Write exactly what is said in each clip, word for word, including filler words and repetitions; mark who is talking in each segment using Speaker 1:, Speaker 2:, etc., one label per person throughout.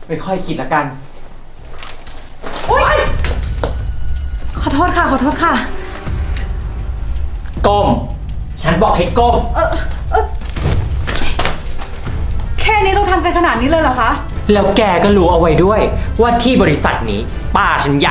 Speaker 1: ไม่ค่อยคิดละกัน
Speaker 2: โอ๊ยขอโทษค่ะขอโทษค่ะ
Speaker 1: ก้มฉันบอกให้ก้ม
Speaker 2: เออเออแค่นี้ต้องทำกันขนาดนี้เลยเหรอคะ
Speaker 1: แล้วแกก็รู้เอาไว้ด้วยว่าที่บริษัทนี้ป้าฉันใหญ่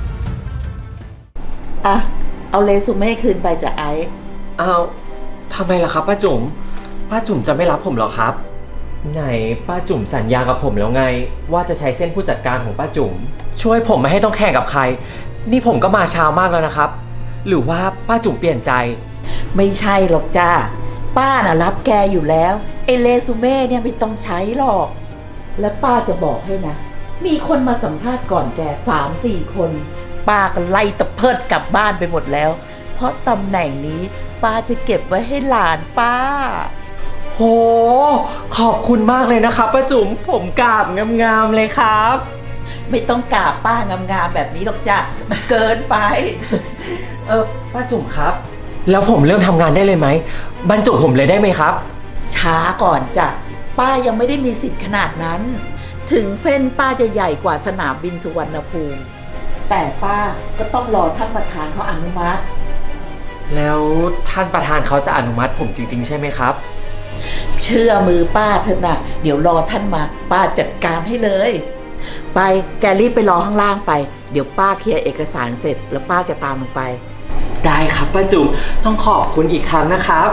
Speaker 3: อ่ะเอาเรซูเม่คืนไปจากไอซ์
Speaker 1: อ้าวทำไมล่ะครับป้าจุ๋มป้าจุ๋มจะไม่รับผมเหรอครับไหนป้าจุ๋มสัญญากับผมแล้วไงว่าจะใช้เส้นผู้จัดการของป้าจุ๋มช่วยผมไม่ให้ต้องแข่งกับใครนี่ผมก็มาเช้ามากแล้วนะครับหรือว่าป้าจุ๋มเปลี่ยนใจ
Speaker 3: ไม่ใช่หรอกจ้าป้าน่ะรับแกอยู่แล้วไอเรซูเม่เนี่ยไม่ต้องใช้หรอกและป้าจะบอกให้นะมีคนมาสัมภาษณ์ก่อนแกสามสี่คนป้าก็ไล่ตะเพิดกลับบ้านไปหมดแล้วเพราะตำแหน่งนี้ป้าจะเก็บไว้ให้หลานป้า
Speaker 1: โหขอบคุณมากเลยนะครับป้าจุ๋มผมกราบงามๆเลยครับ
Speaker 3: ไม่ต้องกราบป้างามๆแบบนี้หรอกจ้ะมันเกินไป
Speaker 1: เออป้าจุ๋มครับแล้วผมเริ่มทำงานได้เลยไหมบรรจุผมเลยได้ไหมครับ
Speaker 3: ช้าก่อนจ้ะป้ายังไม่ได้มีสิทธิ์ขนาดนั้นถึงเส้นป้าจะใหญ่กว่าสนามบินสุวรรณภูมิแต่ป้าก็ต้องรอท่านประธานเขาอนุมัติ
Speaker 1: แล้วท่านประธานเขาจะอนุมัติผมจริงๆใช่ไหมครับ
Speaker 3: เชื่อมือป้าเถอะนะเดี๋ยวรอท่านมาป้าจัดการให้เลยไปแกรีบไปรอข้างล่างไปเดี๋ยวป้าเคลียร์เอกสารเสร็จแล้วป้าจะตามลงไป
Speaker 1: ได้ครับป้าจุ๋มต้องขอบคุณอีกครั้งนะครับ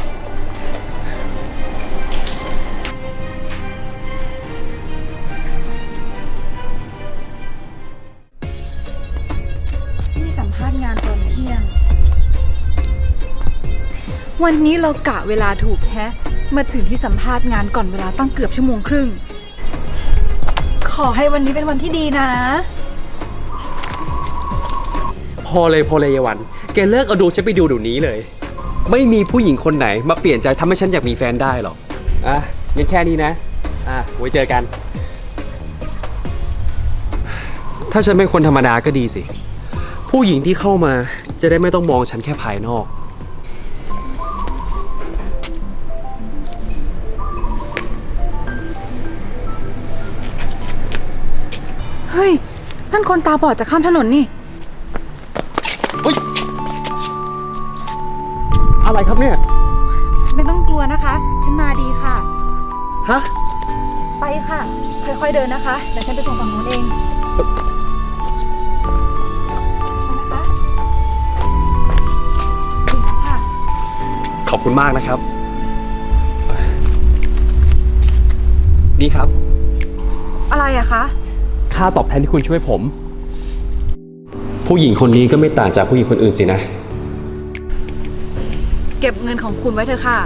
Speaker 2: ที่สัมภาษณ์งานตอนเที่ยงวันนี้เรากะเวลาถูกแฮะมาถึงที่สัมภาษณ์งานก่อนเวลาตั้งเกือบชั่วโมงครึ่งขอให้วันนี้เป็นวันที่ดีนะ
Speaker 4: พอเลยพอเลยยายวันแกเลิกเอาดวงฉันไปดูเดี๋ยวนี้เลยไม่มีผู้หญิงคนไหนมาเปลี่ยนใจทำให้ฉันอยากมีแฟนได้หรอกอ่ะงั้นแค่นี้นะอ่ะไว้เจอกันถ้าฉันเป็นคนธรรมดาก็ดีสิผู้หญิงที่เข้ามาจะได้ไม่ต้องมองฉันแค่ภายนอก
Speaker 2: เฮ้ยนั่นคนตาบอดจะข้ามถนนนี่
Speaker 4: เฮ้ยอะไรครับเนี่ย
Speaker 2: ไม่ต้องกลัวนะคะฉันมาดีค่ะ
Speaker 4: ฮะ
Speaker 2: ไปค่ะค่อยๆเดินนะคะเดี๋ยวฉันไปส่งฝั่งนู้นเองนะคะถึงแล้วค่ะ
Speaker 4: ขอบคุณมากนะครับนี่ครับ
Speaker 2: อะไรอะคะ
Speaker 4: ค่าตอบแทนที่คุณช่วยผมผู้หญิงคนนี้ก็ไม่ต่างจากผู้หญิงคนอื่นสินะ
Speaker 2: เก็บเงินของคุณไว้เถอะค่ะ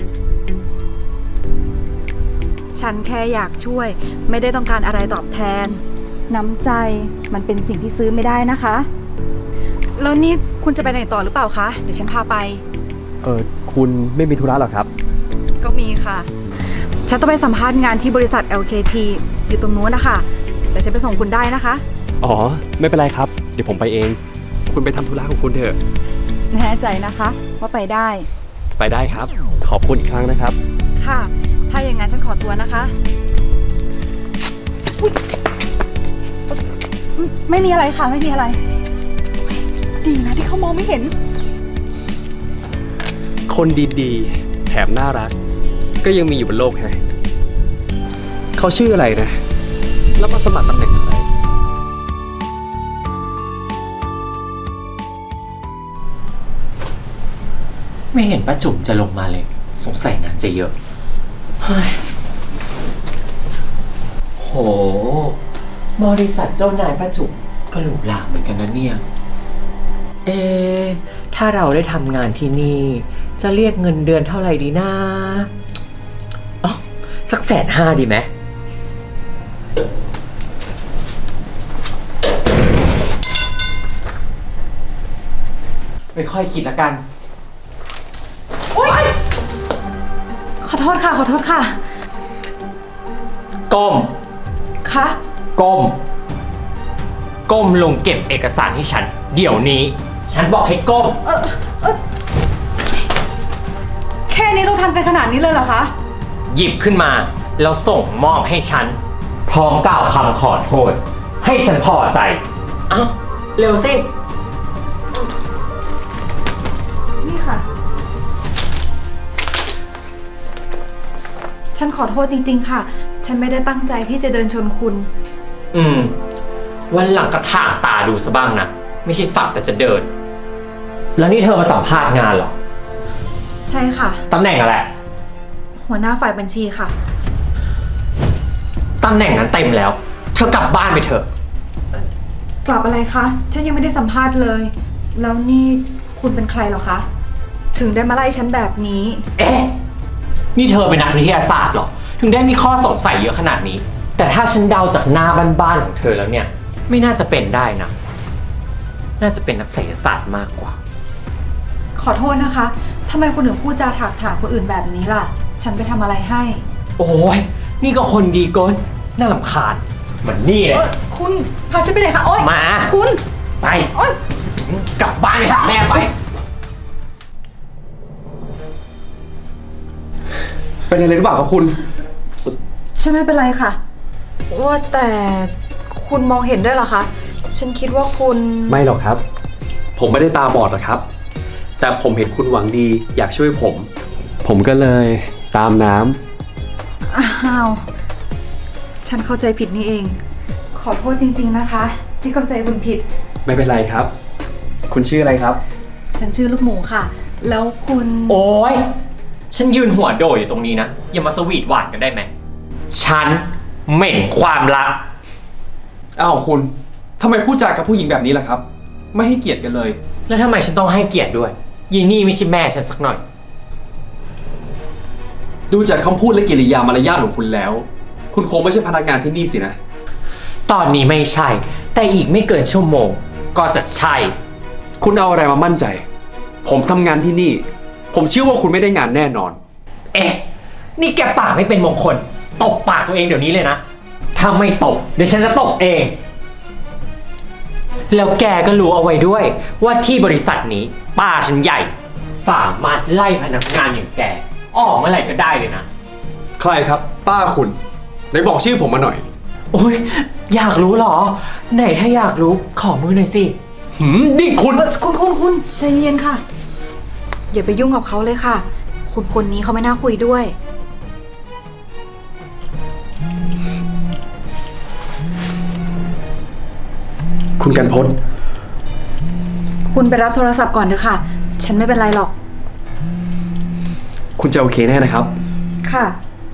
Speaker 2: ฉันแค่อยากช่วยไม่ได้ต้องการอะไรตอบแทนน้ำใจมันเป็นสิ่งที่ซื้อไม่ได้นะคะแล้วนี่คุณจะไปไหนต่อหรือเปล่าคะเดี๋ยวฉันพาไป
Speaker 4: เออคุณไม่มีธุระหรอครับ
Speaker 2: ก็มีค่ะฉันต้องไปสัมภาษณ์งานที่บริษัท แอล เค ที อยู่ตรงนู้นนะคะแต่ฉันไปส่งคุณได้นะคะ
Speaker 4: อ๋อไม่เป็นไรครับเดี๋ยวผมไปเองคุณไปทำธุระของคุณเถอะ
Speaker 2: แน่ใจนะคะว่าไปได้
Speaker 4: ไปได้ครับขอบคุณอีกครั้งนะครับ
Speaker 2: ค่ะถ้าอย่างนั้นฉันขอตัวนะคะไม่มีอะไรค่ะไม่มีอะไรดีนะที่เขามองไม่เห็น
Speaker 4: คนดีๆแถมน่ารักก็ยังมีอยู่บนโลกแฮะเขาชื่ออะไรนะแล้วมาสมัครตำแหน่งอะไร
Speaker 1: ไม่เห็นป้าจุ๋มจะลงมาเลยสงสัยงานจะเยอะเฮ้ยโหบริษัทเจ้านายป้าจุ๋มก็หรูหราเหมือนกันนะเนี่ยเอ๊ะถ้าเราได้ทำงานที่นี่จะเรียกเงินเดือนเท่าไหร่ดีนะอ๋อสักแสนห้าดีไหมไม่ค่อยคิดละกัน
Speaker 2: ขอโทษค่ะขอโทษค่ะ
Speaker 1: ก้ม
Speaker 2: คะ
Speaker 1: ก้มก้มลงเก็บเอกสารให้ฉันเดี๋ยวนี้ฉันบอกให้ก้ม
Speaker 2: เออเออแค่นี้ต้องทำกันขนาดนี้เลยเหรอคะ
Speaker 1: หยิบขึ้นมาแล้วส่งมอบให้ฉันพร้อมกล่าวคำขอโทษ ให้ฉันพอใจ เอ้า เร็วสิ
Speaker 2: นี่ค่ะ ฉันขอโทษจริงๆค่ะ ฉันไม่ได้ตั้งใจที่จะเดินชนคุณ
Speaker 1: อืม วันหลังก็ถ่างตาดูซะบ้างนะ ไม่ใช่สักแต่จะเดิน แล้วนี่เธอมาสัมภาษณ์งานเหรอ
Speaker 2: ใช่ค่ะ
Speaker 1: ตำแหน่งอะไร
Speaker 2: หัวหน้าฝ่ายบัญชีค่ะ
Speaker 1: ตำแหน่งนั้นเต็มแล้ว เธอกลับบ้านไปเถอะ
Speaker 2: กลับอะไรคะ ฉันยังไม่ได้สัมภาษณ์เลย แล้วนี่คุณเป็นใครเหรอคะ ถึงได้มาไล่ฉันแบบนี้
Speaker 1: เอ๊ะ นี่เธอเป็นนักวิทยาศาสตร์เหรอ ถึงได้มีข้อสงสัยเยอะขนาดนี้ แต่ถ้าฉันเดาจากหน้าบ้านๆของเธอแล้วเนี่ย ไม่น่าจะเป็นได้นะ น่าจะเป็นนักไสยศาสตร์มากกว่า
Speaker 2: ขอโทษนะคะ ทำไมคุณถึงพูดจาถากถางคนอื่นแบบนี้ล่ะ ฉันไปทำอะไรให้
Speaker 1: โอ้ย นี่ก็คนดีเกินน่ารำคาญเหมือนนี่เลย
Speaker 2: เอ้ยคุณพาฉันไปไหนคะโอ๊ย
Speaker 1: มา
Speaker 2: คุณ
Speaker 1: ไป
Speaker 2: โอ๊ย
Speaker 1: กลับบ้านไปหาแม่ไป
Speaker 4: เป็นอะไรหรือเปล่าครับคุณ
Speaker 2: ฉันไม่เป็นไรค่ะ ว่าแต่คุณมองเห็นด้วยเหรอคะ ฉันคิดว่าคุณ
Speaker 4: ไม่หรอกครับ ผมไม่ได้ตาบอดหรอกครับ แต่ผมเห็นคุณหวังดีอยากช่วยผม ผมก็เลยตามน้ำ
Speaker 2: อ้าว ฉันเข้าใจผิดนี่เอง ขอโทษจริงๆนะคะ ที่เข้าใจคุณผิด
Speaker 4: ไม่เป็นไรครับ คุณชื่ออะไรครับ
Speaker 2: ฉันชื่อลูกหมูค่ะ แล้วคุณ
Speaker 1: โอ้ย ฉันยืนหัวโดยอยู่ตรงนี้นะ อย่ามาสวีทหวานกันได้ไหม ฉันเหม็นความรัก
Speaker 4: อ้าวคุณทำไมพูดจากับผู้หญิงแบบนี้ล่ะครับ ไม่ให้เกียรติกันเลย
Speaker 1: แล้วทำไมฉันต้องให้เกียรติด้วยยีนี่ไม่ใช่แม่ฉันสักหน่อย
Speaker 4: ดูจากคำพูดและกิริยามารยาทของคุณแล้ว คุณคงไม่ใช่พนักงานที่นี่สินะ
Speaker 1: ตอนนี้ไม่ใช่ แต่อีกไม่เกินชั่วโมง ก็จะใช่
Speaker 4: คุณเอาอะไรมามั่นใจ ผมทำงานที่นี่ ผมเชื่อว่าคุณไม่ได้งานแน่นอน
Speaker 1: เอ๊ะ นี่แกปากไม่เป็นมงคล ตบปากตัวเองเดี๋ยวนี้เลยนะ ถ้าไม่ตบเดี๋ยวฉันจะตบเอง แล้วแกก็รู้เอาไว้ด้วย ว่าที่บริษัทนี้ป้าฉันใหญ่ สามารถไล่พนักงานอย่างแก ออกเมื่อไหร่ก็ได้เลยนะ
Speaker 4: ใครครับ ป้าคุณไหนบอกชื่อผมมาหน่อย
Speaker 1: โอ้ยอยากรู้เหรอ ไหนถ้าอยากรู้ขอมือหน่อยสิ
Speaker 4: หืมนี่คุณ
Speaker 2: เอ่อคุณคุณคุณใจเย็นๆค่ะ อย่าไปยุ่งกับเขาเลยค่ะ คุณคนนี้เขาไม่น่าคุยด้วย
Speaker 4: คุณกันพศ
Speaker 2: คุณไปรับโทรศัพท์ก่อนเถอะค่ะ ฉันไม่เป็นไรหรอก
Speaker 4: คุณจะโอเคแน่นะครับ
Speaker 2: ค่ะ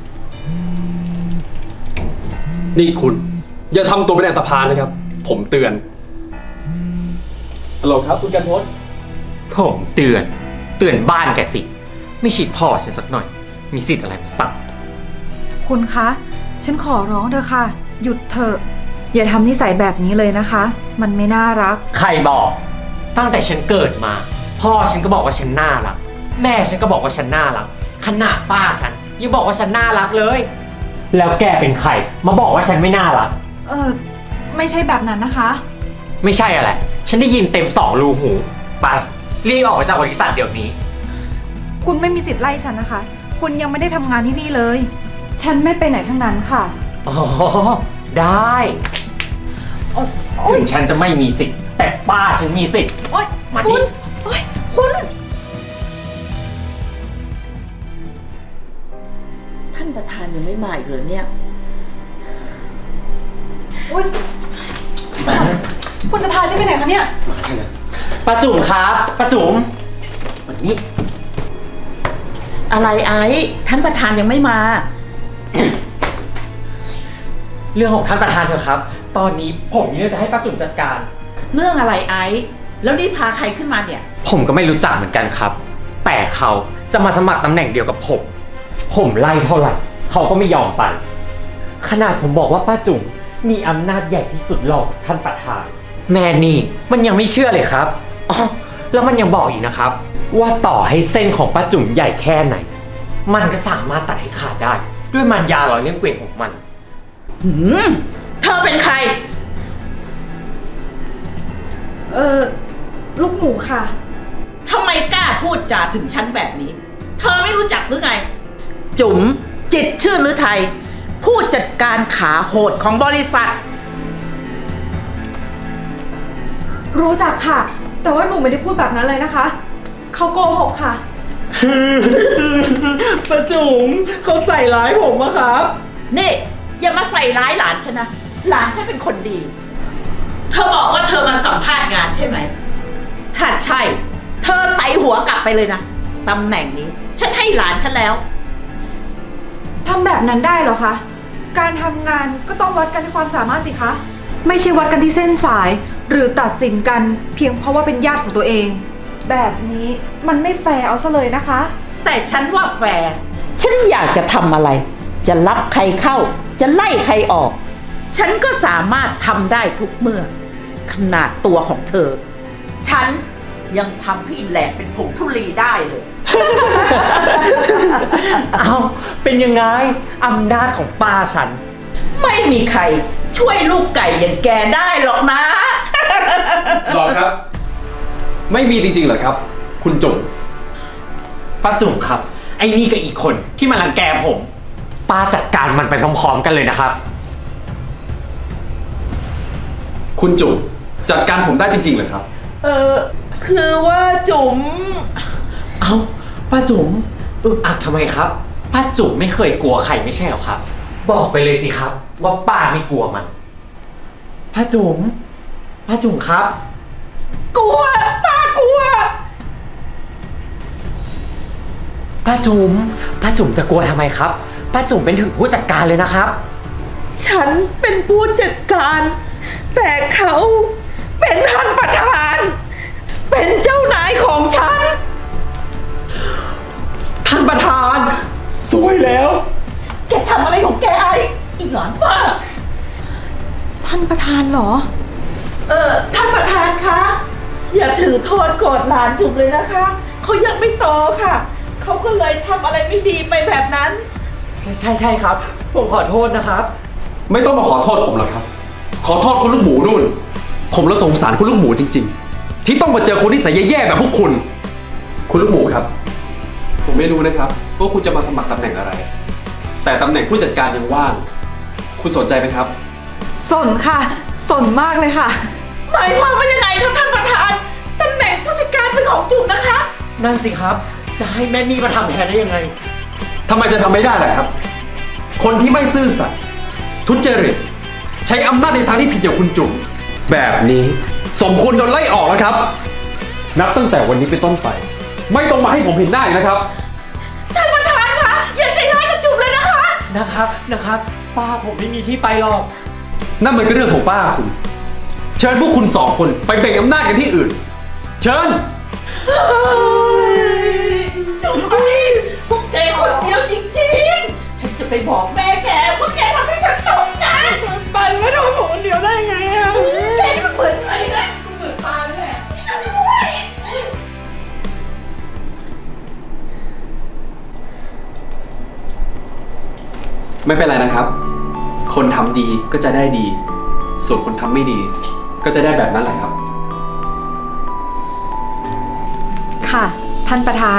Speaker 4: นี่คุณ อย่าทำตัวเป็นอันตพาลนะครับ ผมเตือนฮัลโหลครับ คุณกันพศ
Speaker 1: ผมเตือน เตือนบ้านแกสิ ไม่ฉีดพ่อฉันสักหน่อย มีสิทธิ์อะไรมาสั่ง
Speaker 2: คุณคะ ฉันขอร้องเถอะค่ะ หยุดเถอะ อย่าทำนิสัยแบบนี้เลยนะคะ มันไม่น่ารัก
Speaker 1: ใครบอก ตั้งแต่ฉันเกิดมา พ่อฉันก็บอกว่าฉันน่ารัก แม่ฉันก็บอกว่าฉันน่ารัก ขนาดป้าฉันยังบอกว่าฉันน่ารักเลย แล้วแกเป็นใครมาบอกว่าฉันไม่น่ารัก
Speaker 2: เออไม่ใช่แบบนั้นนะคะ
Speaker 1: ไม่ใช่อะไร ฉันได้ยินเต็มสองรูหู ไป รีบออกจากบริษัทเดี๋ยวนี้
Speaker 2: คุณไม่มีสิทธิ์ไล่ฉันนะคะ คุณยังไม่ได้ทำงานที่นี่เลย ฉันไม่ไปไหนทั้งนั้นค่ะ
Speaker 1: อ๋อ ได้
Speaker 2: โอ๊ย
Speaker 1: ถึงฉันจะไม่มีสิทธิ์ แต่ป้าฉันมีสิทธิ์
Speaker 2: โอ๊ย
Speaker 1: มา
Speaker 2: คุ
Speaker 1: นี่
Speaker 2: ณโอ๊ยคุณ
Speaker 3: ท่านประธานยังไม่มาอีกเหรอเนี่ย
Speaker 2: โอ๊ยคุณจะพาฉันไปไหนคะเนี่ย
Speaker 1: ป้าจุ๋มครับป้าจุ๋มวันนี้
Speaker 3: อะไรไอ้ท่านประธานยังไม่มา
Speaker 1: เรื่องของท่านประธานเถอะครับ ตอนนี้ผมมีเรื่องจะให้ป้าจุ๋มจัดการ
Speaker 3: เรื่องอะไรไอ้แล้วนี่พาใครขึ้นมาเนี่ย
Speaker 1: ผมก็ไม่รู้จักเหมือนกันครับ แต่เขาจะมาสมัครตำแหน่งเดียวกับผม ผมไล่เท่าไหร่ เขาก็ไม่ยอมไป ขนาดผมบอกว่าป้าจุ๋มมีอำนาจใหญ่ที่สุดรองจากท่านประธาน แม่นี่มันยังไม่เชื่อเลยครับอ๋อแล้วมันยังบอกอีกนะครับ ว่าต่อให้เส้นของป้าจุ๋มใหญ่แค่ไหน มันก็สามารถตัดให้ขาดได้ ด้วยมันยาหล่อเลี้ยงเกวียนของมัน
Speaker 3: หืม เธอเป็นใคร
Speaker 2: เออลูกหมูค่ะ
Speaker 3: ทำไมกล้าพูดจาถึงฉันแบบนี้ เธอไม่รู้จักหรือไง จุ๋มจิตรชื่นหรือไทยผู้จัดการขาโหดของบริษัท
Speaker 2: รู้จักค่ะ แต่ว่าหนูไม่ได้พูดแบบนั้นเลยนะคะ เขาโกหกค่ะ
Speaker 1: ป้าจุ๋มเขาใส่ร้ายผมอะครับ
Speaker 3: นี่อย่ามาใส่ร้ายหลานฉันนะ หลานฉันเป็นคนดี เธอบอกว่าเธอมาสัมภาษณ์งานใช่ไหม ถ้าใช่ เธอใส่หัวกลับไปเลยนะ ตำแหน่งนี้ ฉันให้หลานฉันแล้ว
Speaker 2: ทำแบบนั้นได้เหรอคะ การทำงานก็ต้องวัดกันที่ความสามารถสิคะ ไม่ใช่วัดกันที่เส้นสาย หรือตัดสินกันเพียงเพราะว่าเป็นญาติของตัวเอง แบบนี้มันไม่แฟร์เอาซะเลยนะคะ
Speaker 3: แต่ฉันว่าแฟร์ฉันอยากจะทำอะไร จะรับใครเข้า จะไล่ใครออก ฉันก็สามารถทำได้ทุกเมื่อ ขนาดตัวของเธอ ฉันยังทำให้แหลกเป็นผงธุลีได้เลย
Speaker 1: เอาเป็นยังไงอำนาจของป้าฉัน
Speaker 3: ไม่มีใครช่วยลูกไก่อย่างแกได้หรอกนะ
Speaker 4: หรอครับ ไม่มีจริงๆเหรอครับ คุณจุ๋ม
Speaker 1: ป้าจุ๋มครับ ไอ้นี่กับอีกคนที่มารังแกผม ป้าจัดการมันไปพร้อมๆกันเลยนะครับ
Speaker 4: คุณจุ๋มจัดการผมได้จริงๆเหรอครับ
Speaker 3: เออคือว่าจุ๋ม
Speaker 1: เอาป้าจุ๋มอึกอักทำไมครับ ป้าจุ๋มไม่เคยกลัวใครไม่ใช่หรอครับ บอกไปเลยสิครับ ว่าป้าไม่กลัวมัน ป้าจุ๋มป้าจุ๋มครับ
Speaker 3: กลัวป้ากลัว
Speaker 1: ป้าจุ๋มป้าจุ๋มจะกลัวทำไมครับ ป้าจุ๋มเป็นถึงผู้จัดการเลยนะครับ
Speaker 3: ฉันเป็นผู้จัดการ แต่เขาเป็นท่านประธาน เป็นเจ้านายของฉัน
Speaker 1: ท่านประธานสวยแล้ว
Speaker 3: แกทำอะไรของแกไอ้อีหลอนป้า
Speaker 2: ท่านประธานเหรอ
Speaker 3: เออท่านประธานคะ อย่าถือโทษโกรธหลานจุ๋มเลยนะคะ เขายังไม่โตค่ะ เขาก็เลยทำอะไรไม่ดีไปแบบนั้น
Speaker 1: ใช่ใช่ใช่ครับ ผมขอโทษนะครับ
Speaker 4: ไม่ต้องมาขอโทษผมหรอกครับ ขอโทษคุณลูกหมูนู่น ผมละสงสารคุณลูกหมูจริงๆ ที่ต้องมาเจอคนที่ใส่แย่ๆแบบพวกคุณ คุณลูกหมูครับ ผมไม่รู้นะครับว่าคุณจะมาสมัครตำแหน่งอะไร แต่ตำแหน่งผู้จัดการยังว่าง คุณสนใจไหมครับ
Speaker 2: สนค่ะ สนมากเลยค่ะ
Speaker 3: หมายความว่ายังไงครับท่านประธาน ตำแหน่งผู้จัดการเป็นของจุ๋มนะคะ
Speaker 1: นั่นสิครับ จะให้แม่นี่มาทำแทนได้ยังไง
Speaker 4: ทำไมจะทำไม่ได้ล่ะครับ คนที่ไม่ซื่อสัตย์ทุจริตใช้อำนาจในทางที่ผิดอย่างคุณจุ๋มแบบนี้สมควรโดนไล่ออกแล้วครับ นับตั้งแต่วันนี้เป็นต้นไป ไม่ต้องมาให้ผมเห็นหน้าอีกนะครับ
Speaker 3: ท่านประธานคะอย่าใจร้ายกับจุ๋มเลยนะคะ
Speaker 1: นะครับนะครับ ป้าผมไม่มีที่ไปหรอก
Speaker 4: นั่นมันก็เรื่องของป้าคุณ เชิญพวกคุณสองคนไปแบ่งอำนาจกันที่อื่น เชิญ
Speaker 3: จุ๋มพวกแกคนเดียวจริงๆ ฉันจะไปบอกแม่แกว่าแกทำให้ฉันตกงานไปไม่โดนผมคนเดียวได้ไงอะแกนี่มันเหมือนใครนะมันเหมือนปลาแหละฉันด้วย
Speaker 4: ไม่เป็นไรนะครับ คนทำดีก็จะได้ดี ส่วนคนทำไม่ดี ก็จะได้แบบนั้นแหละครับ
Speaker 2: ค่ะ ท่านประธาน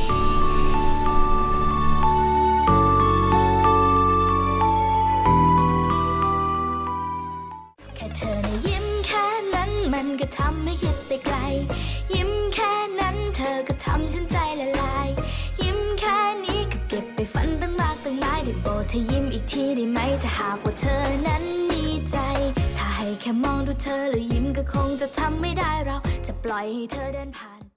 Speaker 5: แค่เธอนะยิ้มแค่นั้นมันก็ทำให้คิดไปไกล ยิ้มแค่นั้นเธอก็ทำฉันใจละลาย ยิ้มแค่นี้ก็เก็บไปฝันตั้งมากตั้งหลายได้โปรดเธอยิ้มอีกทีได้ไหมถ้าหากว่าเธอนั้นมีใจ ถ้าให้แค่มองดูเธอแล้วยิ้มก็คงจะทำไม่ได้เราจะปล่อยให้เธอเดินผ่าน